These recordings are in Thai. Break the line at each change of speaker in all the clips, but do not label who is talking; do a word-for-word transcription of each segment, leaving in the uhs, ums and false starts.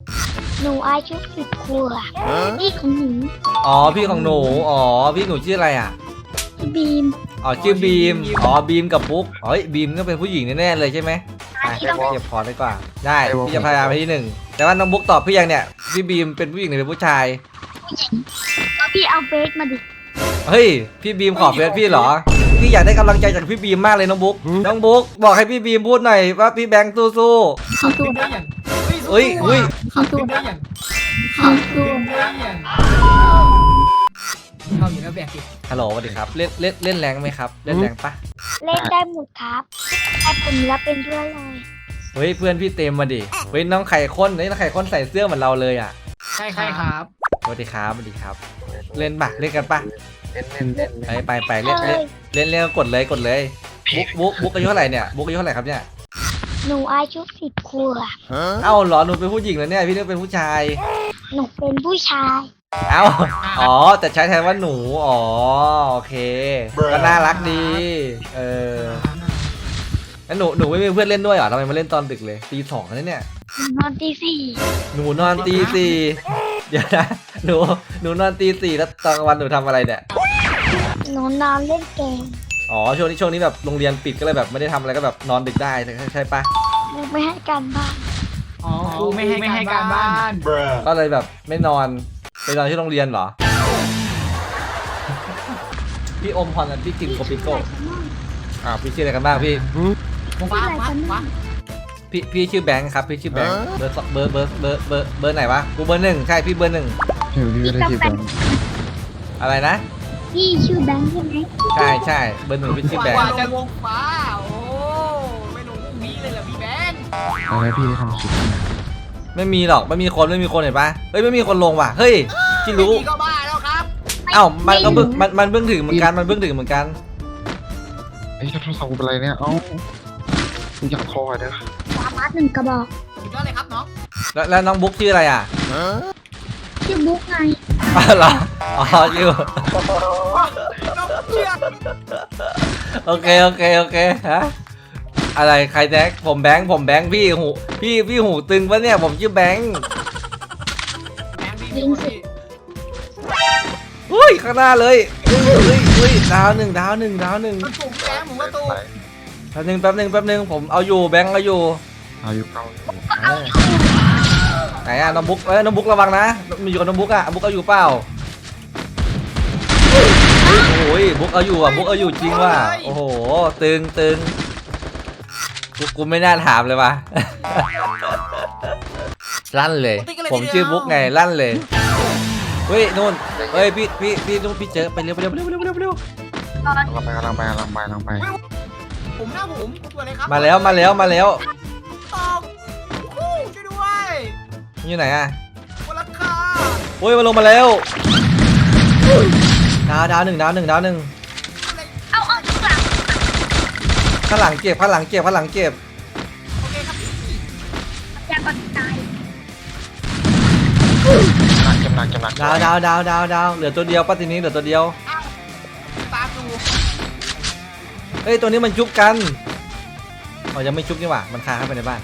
หนูอายุสิบขวบพี่ของหนู
อ๋อพี่ของหนูอ๋อพี่หนูชื่ออะไรอ่ะ
พี่บีม
อ๋อชื่อบีมอ๋อบีมกับปุ๊กอ๋อบีมก็เป็นผู้หญิงแน่ๆเลยใช่ไหมอ่ะเก็บพอดีกว่าได้พี่จะพยายามไปที่หนึ่งแต่ว่าน้องบุ๊กตอบพี่ยังเนี่ยพี่บีมเป็นผู้หญิงหรือเป็นผู้ชาย
ก็พี่เอาเบสมาดิ
เฮ้ยพี่บีมขอเฟซพี่เหรอพี่อยากได้กำลังใจจากพี่บีมมากเลยน้องบุ๊กน้องบุ๊กบอกให้พี่บีมพูดหน่อยว่าพี่แบงค์สู้
เขาตัว
ได้อย่าง
ๆเฮ้ยเฮ้ย
เขาตัว
ได้อย่าง
เขาตัว
ได้อย่างชอบอยู่แล้วแบบดิ
ฮัลโหลสวัสดีครับเล่นเล่นเล่นแรงไหมครับเล่นแรงปะ
เล่นได้หมดครับแต่ผมรับเป็นด้วยเลย
เฮ้ยเพื่อนพี่เต็มมาดิเฮ้ยน้องไข่ข้นเฮ้ยน้องไข่ข้นใส่เสื้อเหมือนเราเลยอ่ะ
ใช่ครับ
สวัสดีครับสวัสดีครับ เล่นปะเล่นกันปะ
เล่นเล่นเล่น
ไปไปไปเล่นเล่นเล่นเล่นกดเลยกดเลยบุ๊กบุ๊กบุ๊กอายุเท่าไหร่เนี่ยบุ๊กอายุเท่าไหร่ครับเนี่ย
หนูอายุสิบขวบ
เอ้าเหรอหนูเป็นผู้หญิงแล้วเนี่ยพี่นึกเป็นผู้ชาย
หนูเป็นผู้ชาย
เอ้าอ๋อแต่ใช้แทนว่าหนูอ๋อโอเคก็น่ารักดีเออแล้วหนูหนูไม่มีเพื่อนเล่นด้วยเหรอทำไมมาเล่นตอนดึกเลยตีสองแล้วเนี่ย
หนูนอนตีสี่
หนูนอนตีสี่เดี๋ยวนะหนูหนูนอนตีสี่แล้วตอนกลางวันหนูทำอะไรเนี่ย
หนูนอนเล่นเกม
อ๋อช่วงนี้ช่วงนี้แบบโรงเรียนปิดก็เลยแบบไม่ได้ทำอะไรก็แบบนอนดึกได้ใช่ใช่ปะ
หนูไม่ให้การบ้าน
อ๋อครูไม่ให้ไม่ให้การบ้าน
ก็เลยแบบไม่นอนไปนอนที่โรงเรียนเหรอ พี่อมพรกับพี่กิมโกปิโก้อ่าพี่ชื่ออะไรกันบ้างพี่
ฟ้าฟ้าฟ้า
พี่พี่ชื่อแบงค์ครับพี่ชื่อแบงค์เบอร์สองเบอร์เบอร์เบอร์เบอร์เบอร์ไหนวะกูเบอร์หนึ่งใช่พี่เบอร์หนึ่ง
เดี๋ยวพี่ไม่ได้ที่แบงค์
อะไรนะ
พี่ชื่อแบงค์ใช่ไหม
ใช่ใช่เบอร์หนึ่งพี่ชื่อแบง
กว่า
ค์
จะวงฟ้าโอ้ไม่ลงพรุ่งนี้เลยเหรอพี่แบงค์
อะไรพี่ทำคลิปเนี่ย
ไม่มีหรอกไม่มีคนไม่มีคนเห็นปะเฮ้ยไม่มีคนลงว่ะเฮ้ยที่รู้
ก็บ้าแล้วครับ
เอ้ามันก็เพิ่งมันมันเพิ่งถึงเหมือนกันมันเพิ่งถึงเหมือนกัน
ไอ้ยโทรศัพท์กูเป็นไรเนี่ยเอ้ากูอยากคอยเด้อ
สามารถหนึ่งกระบอก
สุดยอดเลยครับน้อง
แล้วแล้วน้องบุ๊กชื่ออะไรอ่ะ
ชื่อบุ๊กไง
อ๋อเหรออ๋อชื่อ
น้องเชื่อ
โอเคโอเคโอเคฮะอะไรใครแจ็คผมแบงค์ผมแบงค์พี่หูพี่พี่หูตึงปะเนี่ยผมชื่อแบงค์
แบงค์พี่คนที่
อุ้ยข้างหน้าเลยอุ้ยอุ้ยอุ้ยดาวหนึ่งดาวหนึ่งดาวหนึ่ง
มันถูกแบงค์ผมก็ตู
ไป
แป๊บหนึงแป๊บหนึงแป๊บหนึงผมเอาอยู่แบงค์เอาอยู่
อายุเก้าอยู่
เออไหนอะน้องบุ๊กเอ้ยน้องบุ๊กระวังนะมีอยู่กับน้องบุ๊กอะบุ๊กเอาอยู่เปล่าโอ้ยบุ๊กเอาอยู่อะบุ๊กเอาอยู่จริงว่ะโอ้โหตึงตึงกูกูไม่น่าถามเลยว่ะ ลั่นเลย ผมชื่อบุ๊กไงลั่นเลยเฮ้ยนู่นเฮ้ยพี่พี่พี่นู่นพี่เจอไปเร็วไปเร็วไปเร็วไปเร็วไปเร็วไปเร็ว
กำลังไปกำลังไปกำลังไปกำลังไป
ผมหน้าผมตัวอะไรครับ
มาแล้วมาแล้วมาแล้ว
ตอบคู่ช่วยด้วย
อยู่ไหนอะ
คนละคา
โอ้ยมาลงมาแล้วดาวดาวหนึ่งดาวหนึ่งดาวหนึ่ง
เอาเอาทุกหลัง
ข้างหลังเก็บข้างหลังเก็บข้างหลังเก็บ
โอเคครับพี่
อยากก่อนตาย
จำหนักจำหนักจำหนัก
ดาวดาวดาวดาวดาวเหลือตัวเดียวป้าทีนี้เหลือตัวเดียว
ตามดู
เฮ้ยตัวนี้มันชุบกันอ๋อยังไม่ชุบนี่หว่ามันคาเข้าไปในบ้าน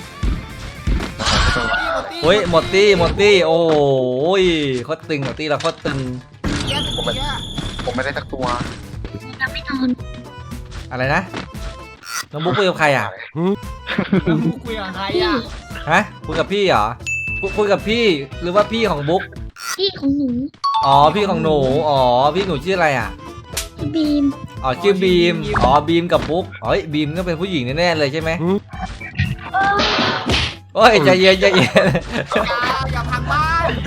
เฮ้ยหมดตี้หมดตี้โอ้ยโคตรตึงหมดตี้เราโคตรตึง
เยอะผมเยอะ
ผมไม่ได้สักตัว
เราไม่นอน
อะไรนะน้องบุ๊กคุยกับใครอ่ะ
แล้วกูคุยกับใครอ่ะ
ฮะคุยกับพี่เหรอคุยคุยกับพี่หรือว่าพี่ของบุ๊ก
พี่ของหนู
อ๋อพี่ของหนูอ๋อพี่หนูชื่ออะไรอ่ะ
พี่บีม
อ๋อชื่อบีมอ๋อบีมกับบุ๊กอ๋อบีมก็เป็นผู้หญิงแน่ๆเลยใช่ไหมโอ้ยใจเย็นใจเย็น
อย่าอย่าพังบ้าน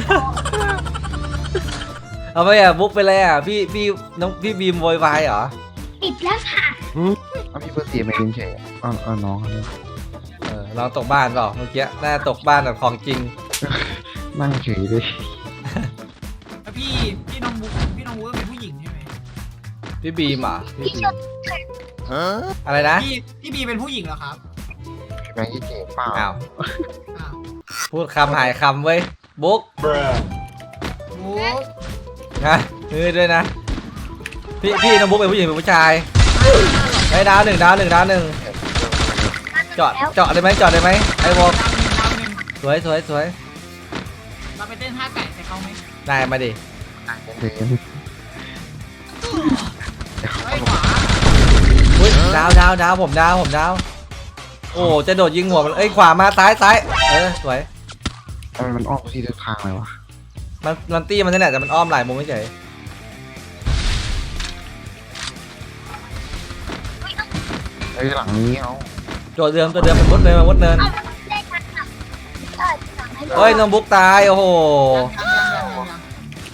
เอาไปอ่ะบุ๊กไปเลยอ่ะพี่พี่น้องพี่บีมโวยวายเหรอ
ปิดแล้วค่ะ
เอาพี่เพื่อเสียไม่ยินเฉยเออเออน้องเขา
เออเราตกบ้านเปล่าเมื่อกี้น่าตกบ้านแบบของจริง
นั่งเฉยเลย
แล้วพี่พี่น้องบุ๊กพี่น้องบุ๊กเป็นผู้หญิงใช่ไหม
พี่บีมอ่ะพี่
พี่
บี
ช
ม
ม
อะไรนะ
พี่พี่บีเป็นผู้หญิงเหรอครับ
แบงค์ยี่เจ๋เปล่า
อ้าว
อ้าว
พูดคำหายคำเว้ยบุ๊ก
บุ๊ก
นะมือด้วยนะพี่พี่น้องบุ๊กเป็นผู้หญิงเป็นผู้ชายไอ้ดาวหนึ่งดาวหนึ่งดาวหนึ่งจอดจอดได้ไหมจอดได้ไหมไอ้วอล
ดาวหนึ่งดาวหนึ่ง
สวยสวยสวย
เราไปเต้นท่าไก่ใส่เขาไหม
ได้มาดิ
เดี๋ยว
เฮ้ยขวา
อุ้ยดาวดาวดาวผมดาวผมดาวโอ้จะโดดยิงหัวมันเอ้ยขวามาซ้ายซ้ายเออสวย
ทำไมมันออกที่ทุกทางเลยวะ
มันมันตี้มันนี่แหละแต่มันอ้อมหลายมุมไม่เฉย
ไอ้ยหลังนี้เอา
ตัวเดิมตัวเดิมมันมุดเนินมันมุดเนิน
เอาได้กันอ่ะได้สั่งให้
เฮ้ยน้องบุ๊กตายโอ้โห
ยังยังยังยัง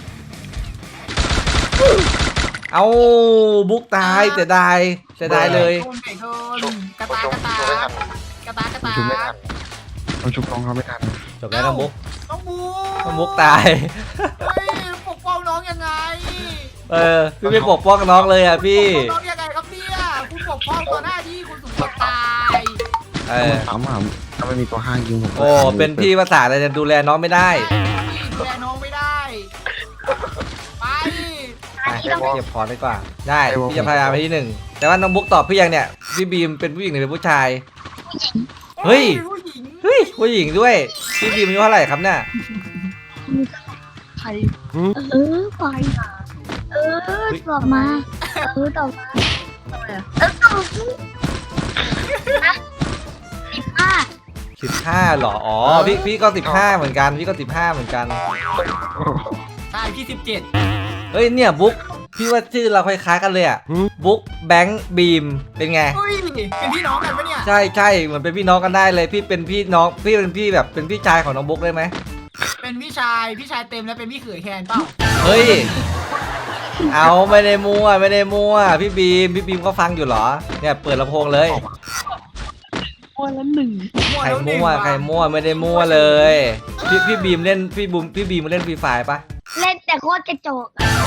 เอาบุ๊กตายเสียดายเสียดายเลย
โดนไก่โดนกระตากระตากระตากระตา
ชุบไม่ทันมันชุบน้องเขาไม่ทัน
จบแล้วน้องบุ๊ก
น้องบู
น้องบุ๊กตาย
เฮ้ยปกป้องน้องยังไง
เออพี่ไม่ปกป้องน้องเลยอ่ะพี่
ปกป้องน้องยังไงครับเนี่ยคุณปกป้องต่อหน้าที่คุณสุดตาย
เอ
ถ้า
อ
มันถามว่าถ้าไม่มีตัวห้างยิงผม
โอ้เป็นพี่ภาษาอะไรจะดูแลน้องไม่ได้
ดูแลน้องไม่ได้ไป
อ่ะเก็บพอดีกว่าได้พี่จะพยายามไปที่หนึ่งแต่ว่าน้องบุ๊กตอบพี่ยังเนี่ยพี่บีมเป็นผู้หญิงหรือเป็นผู้ชาย เฮ้ย
ผู้หญิง
เฮ้ยผู้หญิงด้วยพี่บีมอายุเท่าไหร่ครับเนี่ย
ใครเออปล่อยเออตอบมาเออตอบมาเออตอบนะสิบห้า
สิบห้าหรออ๋อพี่พี่ก็สิบห้าเหมือนกันพี่ก็สิบห้าเหมือนกัน
ใช่พี่สิบเจ็ด
เฮ้ยเนี่ยบุ๊กพี่ว่าชื่อเราคล้ายๆกันเลยอ่ะบุ๊กแบงค์บีมเป็นไง
เฮ้ยเป็นพี่น้องกันปะเนี่ย
ใช่ใช่เหมือนเป็นพี่น้องกันได้เลย พี่เป็นพี่น้องพี่เป็นพี่แบบเป็นพี่ชายของน้องบุ๊กได้ไหม
เป็นพี่ชายพี่ชายเต็มแล้วเป็นพี่เขยแทนเปล่า
เฮ้ยเอาไม่ได้มั่วไม่ได้มั่วพี่บีมพี่บีมก็ฟังอยู่เหรอเนี่ยเปิดลำโพงเลย
มั่ว
ใคร
แล้วหนึ่ง
มั่ว
ว่ะ
ใครมั่วไม่ได้มั่วเลยพี่พี่บีมเล่นพี่บูมพี่บีมเล่นฟรีไฟปะ
เล่นแต่โคตรกระจก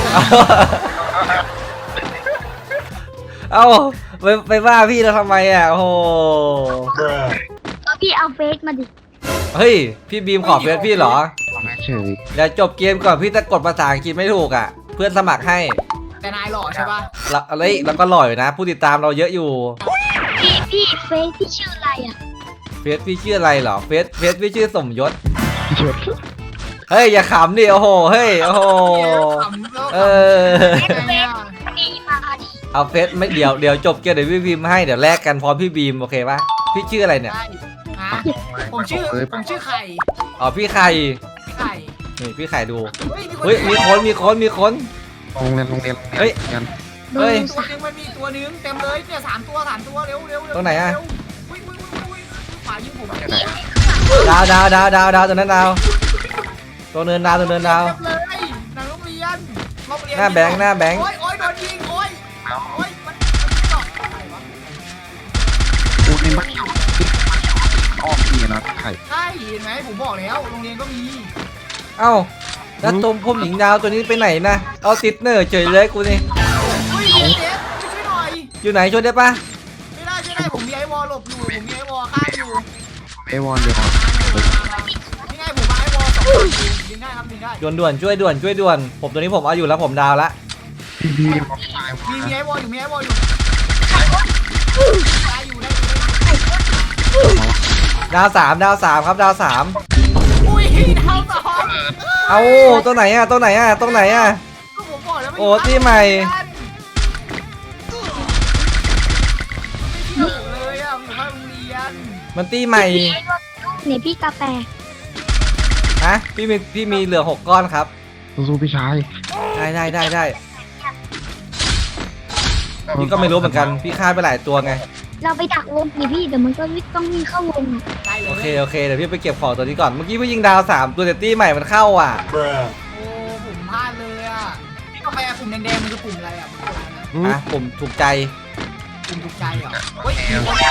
เอ้าไปไปว่าพี่เราทำไมอ่ะโอ้โห
ก็พี่เอาเฟซมาดิ
เฮ้ยพี่บีมขอเฟซพี่เหรอ
แม่เฉย
เดี๋ยวจบเกมก่อนพี่จะกดภาษาอังกฤษไม่ถูกอ่ะ เพื่อนสมัครให้
แต่นายหล่อใช่ปะ
แล้วเฮ้ยแล้วก็หล่ออยู่นะ ผู้ติดตามเราเยอะอยู่
พี่พี่เฟซพี่ชื่ออะไรอ่ะ
เฟซพี่ชื่ออะไรเหรอเฟซเฟซพี่ชื่อสมยศ
ชุด
เฮ้ยอย่าขำดิโอ้โหเฮ้ยโอ้โห
ขำแล้ว
เอ
ขำ
อ
ยังไงอะ
ดีมาดิ
เอาเฟซไม่เดี๋ยวเดี๋ยวจบเกมเดี๋ยวพี่บีมให้เดี๋ยวแลกกันพร้อมพี่บีมโอเคปะพี่ชื่ออะไรเนี่ย
ได้ฮะผมชื่อผมชื่อไข่
อ๋อพี่ไข่
ไข่
นี่พี่ไข่ดู
เฮ้ยมีคน
เฮ้ยมีคนมีคนมีคน
โรงเรียนโรงเรียน
เฮ้ย
เรียน
เบอ
เฮ้ย
ร์
ตัว
สาม
นึงมันมีตัวนึงเต็มเลยเนี่ยสามตัวสามตัวเร็วเร็วเร็ว
ตรงไหนอะ
เร็วอุ้ยอุ้ยอุ้ยอุ้ยขวายิงผม
ที่ไหน
ดาวดาวดาวดาวดาวตัวนั้นดาวตัวเนินดาวตัวเนินดาว
เต็มเลยหนังโรงเรียนโรงเรียน
หน้าแบงค์หน้าแบงค์
โอ้ยโอ้ยโดนยิงโอ้ย
เอา
โอ้ยมันมันตอกอะไรวะ
กูในบ้านเขาอ้อมพี่นะไข่
ใช่เห็นไหมผมบอกแล้วโรงเรียนก็มี
เอ้าแล้วตรงผมหญิงดาวตัวนี้ไปไหนนะเอาติดเนอร์เฉยเลยกูนี่
เฮ้ยเด็กช่วยหน่อย
อยู่ไหนช่วยได้ปะ
ไม่ได้ช่วยได้ผมมีไอวอลหลบอยู่ผมมีไอวอลข้างอยู่
เอวอนเดียว
นี่ไงผมมาไอวอลสองตัวยิงได้ครับยิงได้
ด่วนด่วนช่วยด่วนช่วยด่วนผมตัวนี้ผมเอาอยู่แล้วผมดาวละ
พี่พี่เขาตาย
มีมี
มา
ไอวอลอยู่มีไอวอลอยู่ได้อยู่ได้อยู่
ดาวสามดาวสามครับดาวสาม
อุ้ยดาวสอง
เอาตัวไหนอะตัวไหนอะตรงไหนอะ
ก็ผมบอกแล้วไม่
โอ้ที่ใหม่
ไม่เกี่ยวเลยอ่ะผมอยู่ข้างโรงเรียน
มันตีใหม่
เนี่ยพี่กาแฟ
ฮะพี่มีพี่มีเหลือหกก้อนครับ
สู้ๆพี่ชาย
ได้ได้ได้ได้พี่ก็ไม่รู้เหมือนกันพี่ฆ่าไปหลายตัวไง
เราไปดักวงดิพี่เดี๋ยวมันก็ต้องวิ่งเข้าวง
ได้เล
โอย เคโอเคเดี๋ยวพี่ไปเก็บของตัวนี้ก่อนเมื่อกี้พี่ยิงดาวสามตัวแต่ตี้ใหม่มันเข้าอ่ะ
โอ้ผมพลาดเลยอ่ะพี่กาแฟปุ่มแดงๆมันคือปุ่มอะไรอ่ะปุ่มอะไรนะ
อ่ะผมถูกใจ
ปุ่มถูกใจเหรอเฮ้ย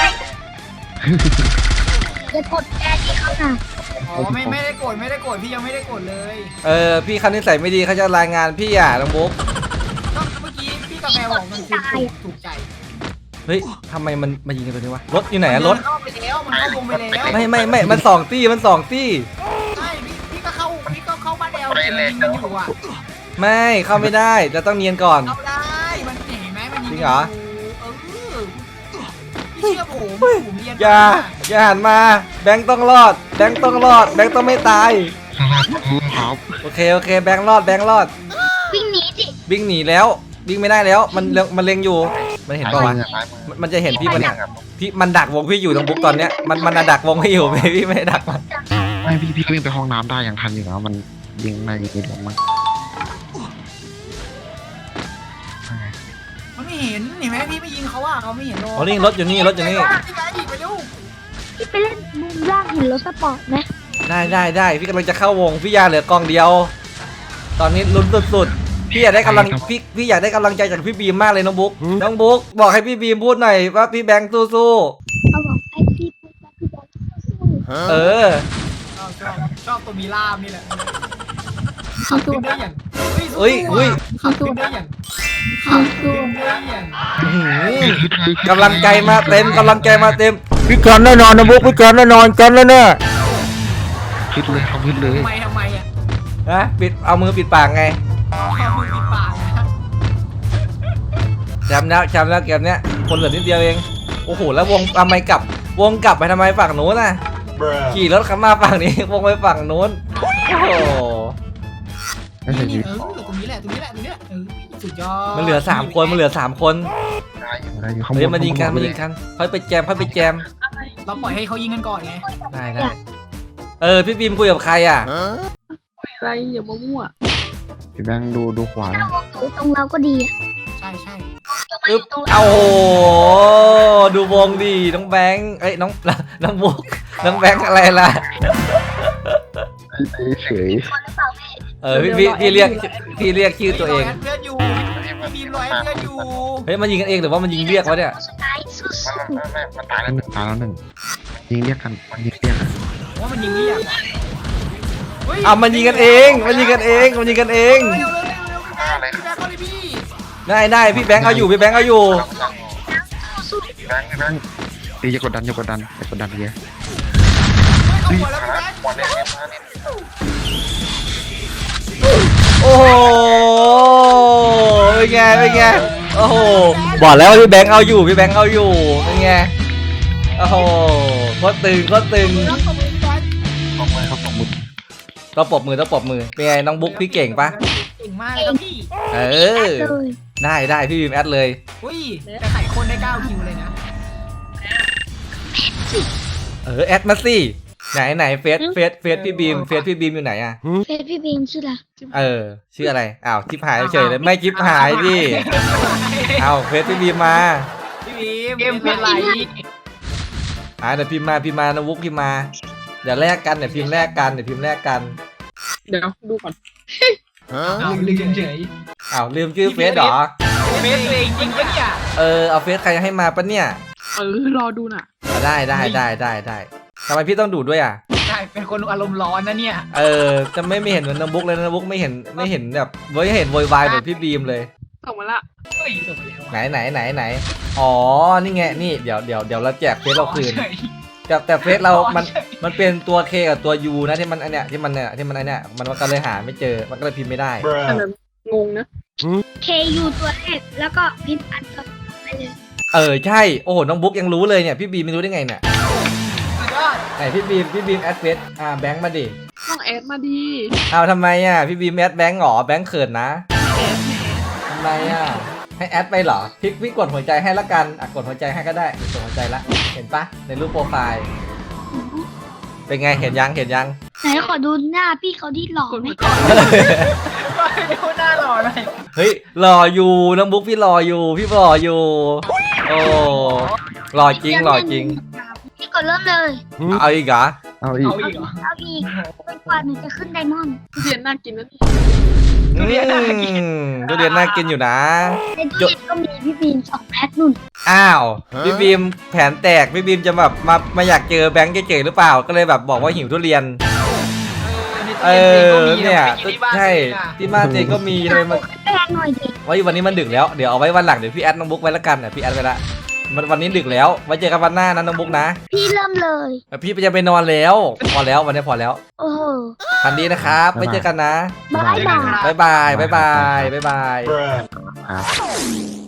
อย่ากดแอร์ที่เขาน่ะ
อ๋อไม่ไม่ได้กดไม่ได้กดพี่ยังไม่ได้กดเลย
เออพี่คันนิสัยไม่ดีเขาจะรายงานพี่อ่ะน้องบุ๊ก
ก็เมื่อกี้พี่กาแฟบอกมันคือปุ่มถูกใจ
เฮ้ยทำไมมันมายิงกันตัวนี้วะรถอยู่ไหนอะรถ
มันเข้าไปแล้วมันเข้าวงไปแล้ว
ไม่ไม่ไม่มันสองตี้มันสองตี้
ใช่พี่พี่ก็เข้าพี่ก็เข้าบ้านแอลเห็นมันยิงกันอยู่อ่ะ
ไม่เข้าไม่ได้จะต้องเนียนก่อน
เข้าได้มันเห็นไหมมันยิง
จริ
กัน
งเหรอ
เออพี่เชื่อผมผมเรียน
อย่าอย่าหันมาแบงค์ต้องรอดแบงค์ต้องรอดแบงค์ต้องไม่ตาย
ใครข้างหน้าลุงครับ
โอเคโอเคแบงค์รอดแบงค์รอด
วิ่งหนีสิ
วิ่งหนีแล้ววิ่งไม่ได้แล้วมันเล็งมันเล็งอยู่มันเห็นปะวะ
ซ้ายมือ
มันมันจะเห็นพี่ปะเนี่ยพี่มันดักวงพี่อยู่ตรงบุ๊กตอนเนี้ยมันมันดักวงพี่อยู่ ไม่พี่ไม่ได้ดักมัน
ไม่พี่พี่ก็วิ่งไปห้องน้ำได้อย่างทันอยู่นะมันยิงในยิงในหลงมัน
มันไม่เห็นเห็นไหมพี่ไม่ยิงเขาอ่ะเขาไม่เห็นโด
โอ้นี่รถอยู่นี่รถอยู่นี่
พี่กายอีกไปเร็ว
พี่ไปเล่นมุมล่างเห็นรถสปอร์ตไหม
ได้ได้ได้พี่กำลังจะเข้าวงพี่ยาเหลือกองเดียว ตอนนี้ลุ้นสุดๆพี่อยากได้กำลังพี่พี่อยากได้กำลังใจจากพี่บีมมากเลยน้องบุ๊กน้องบุ๊กบอกให้พี่บีมพูดหน่อยว่าพี่แบงค์สู้
เอาบอกไอ้พี่พูดมาพี่บอกสู้
ๆเออ
ชอบชอบชอบตัวมีล่ามนี่แหละขับขึ้นได้อย่าง
เอ้ยเฮ้ย
ขับขึ้นได้อย่างขับขึ้นได้อย่าง
อื้อหือกำลังใจมาเต็มกำลังใจมาเต็มพี่กันแน่นอนนะบุ๊กพี่กันแน่นอนกันแล้วเนี่ย
คิดเลยทำคิดเลย
ทำไมทำไมอ่ะ
ฮะปิดเอามือปิดปากไง
เอามือปิดปากนะ
จำแล้วจำแล้วเกมเนี้ยคนเหลือนิดเดียวเองโอ้โหแล้ววงทำไมกลับวงกลับไปทำไมฝั่งนู้นน่ะขี่รถขับมาฝั่งนี้วงไปฝั่งนู้นโอ้โห
ไม่ใช่
นี่
ยิง
เออตรงนี้แหละตรงนี้แหละตรงนี้แหละเออสุดยอด
มันเหลือสามคนมันเหลือสามคน
ได้อยู่ได้อยู่ข้างบ
เฮ้ย
น
มันยิงกันมันยิงกันค่อยไปแจมค่อยไปแจม
เราปล่อยให้เขายิงกันก่อนไง
ได้ได้เออพี่บีมคุยกับใครอ่ะ
อะไรอย่ามามั่ว
พี่แบงค์ดูดูขวา
ๆถ้าวงถูตรงเราก็ดีอะ
ใช่ใช่
อึ๊บเอาโหดูวงดีน้องแบงค์เอ้ยน้องน้องบุ๊กน้องแบงค์อะไรล่ะ
เฉย
คนหรือเปล่าพี่
เออพี่พี่พี่เรียกพี่เรียกชื่อตัวเอง
เพื่อนอยู่ทีมรอยเพื่อนอยู่
เฮ้ยมันยิงกันเองหรือว่ามันยิงเรียกวะเนี่ย
สุดท้ายสู้
มันมันมันตายแล้วหนึ่งตายแล้วหนึ่งยิงเรียกกันมันยิงเรียกกัน
ว่ามันยิงเรียก
เอามันยิงกันเองมันยิงกันเองมันยิงกันเอง
เร็วเร็วเร็วเร็วพี่แบงค์พี่แบงค์เขาเลยพี่
ได้ได้พี่แบงค์เอาอยู่พี่แบงค์เอาอยู่
ๆสู้
พี่แบงค์พี่แบงค์ตีอย่ากดดันอย่ากดดันอย่ากดดันเยอะ
เอาหัวแล้วพี่แบงค์
วันนี้มาเนี่ย
โอ้โหเป็นไงเป็นไงโอ้โหบอกแล้วว่าพี่แบงค์เอาอยู่พี่แบงค์เอาอยู่เป็นไงโอ้โหโคตรตึงโคตรตึง
รับตบมือพี่แบงค์
สองมือครับสองมือ
ต้องปรบมือต้องปรบมือเป็นไงน้องบุ๊กพี่เก่งปะ
เก่งมากเลยครับพี่
เออ
ๆเลย
ได้ได้พี่บีมแอดเลย
อุ้ยแต่ไข่คนได้เก้าคิวเลยนะ
เออแอดมาสิไหนไหนเฟซเฟซเฟซพี่บีมเฟซพี่บีมอยู่ไหนอะ
เฟซพี่บีมชื่ออะไร
เออชื่ออะไรอ้าวจิ๊บหายเฉยเลยไม่จิ๊บหายดิอ้าวเฟซพี่บีมมา
พี่บีมเกมเป็นไร
อ่าเดี๋ยวพิมพ์มาพิมพ์มานะบุ๊กพิมพ์มาเดี๋ยวแลกกันเดี๋ยวพิมพ์แลกกันเดี๋ยวพิมพ์แลกกัน
เดี๋ยวดูก่อน
เอาลืมเฉย
อ้าวลืมชื่อเฟซเหรอ
เฟซตัวเองจริงปะเนี่ย
เออเอาเฟซใครให้มาปะเนี่ย
เออรอดูน่ะ
อ่ะได้ได้ได้ได้ได้ทำไมพี่ต้องดูดด้วยอ่ะ
ใช่เป็นคนอารมณ์ร้อนนะเนี่ย
เออจะไม่ไม่เห็นเหมือนน้องบุ๊กเลยนะน้องบุ๊กไม่เห็นไม่เห็นแบบไม่เห็นโวยวายเหมือนพี่บีมเลย
ส่งมาละ
เฮ้ยส่งไปแล้ว
ไหนไหนไหนไหนอ๋อนี่ไงนี่เดี๋ยวเดี๋ยวเดี๋ยวเราแจกเฟซเราคืนแต่แต่เฟซเรามันมันเป็นตัว K กับตัว U นะที่มันอันเนี้ยที่มันเนี่ยที่มันอันเนี้ยมันก็เลยหาไม่เจอมันก็เลยพิมพ์ไม่ได้
แต่แบบงงนะ
เคยูตัวแรกแล้วก็พิมพ์อันต่อไปเลย
เออใช่โอ้โหน้องบุ๊กยังรู้เลยเนี่ยพี่บีมไม่รู้ได้ไงเนี่ย
สุดยอด
ไหนพี่บีมพี่บีมแอดเฟซอ่าแบงค์มาดิ
ต้องแอดมาดี
เอาทำไมอ่ะพี่บีมแอดแบงค์หรอแบงค์เขินนะ
แอดแหม
ทำไมอ่ะให้แอดไปเหรอพี่พี่กดหัวใจให้ละกันอ่ะกดหัวใจให้ก็ได้กดหัวใจละเห็นปะในรูปโปรไฟล์เป็นไงเห็นยังเห็นยัง
ไหนขอดูหน้าพี่เขาที่หล่อก
ด
ไหม
หัวใจ
ไปดูหน้าหล่อหน่อย
เฮ้ยรออยู่น้องบุ๊กพี่รออยู่พี่รออยู่โอ้รอจริงรอจริง
พี่กดเริ่มเลย
เอาอีกเหรอ
เอาอีก
เอาอีกเหรอ
เอาอีกจนกว่าหนูจะขึ้นไดมอนด์
ทุเรียนน่ากินนะนี่
ทุเรียนน่ากินทุเรียนน่ากินอยู่นะ
ในตู้เย็นก็มีพี่บีมสองแพ็คนุ่น
อ้าวพี่บีมแผนแตกพี่บีมจะแบบมามาอยากเจอแบงค์เจ๋ๆหรือเปล่าก็เลยแบบบอกว่าหิวทุเรียน เออเนี่ยใช่ที่บ้านเจก็มีทำไมมัน
แป้งหน่อยดิ
ไว้วันนี้มันดึกแล้วเดี๋ยวเอาไว้วันหลังเดี๋ยวพี่แอดน้องบุ๊กไว้ละกันเนี่ยพี่แอดไว้ละมันวันนี้ดึกแล้วไว้เจอกันวันหน้านะน้องบุ๊กนะ
พี่เริ่มเลย
พี่จะไปนอนแล้วพอแล้ววันนี้พอแล้ว
โอ้โห
ทันดีนะครับไว้เจอกันนะ
บายบาย
บ๊ายบายบ๊ายบายบ๊ายบาย
ครับ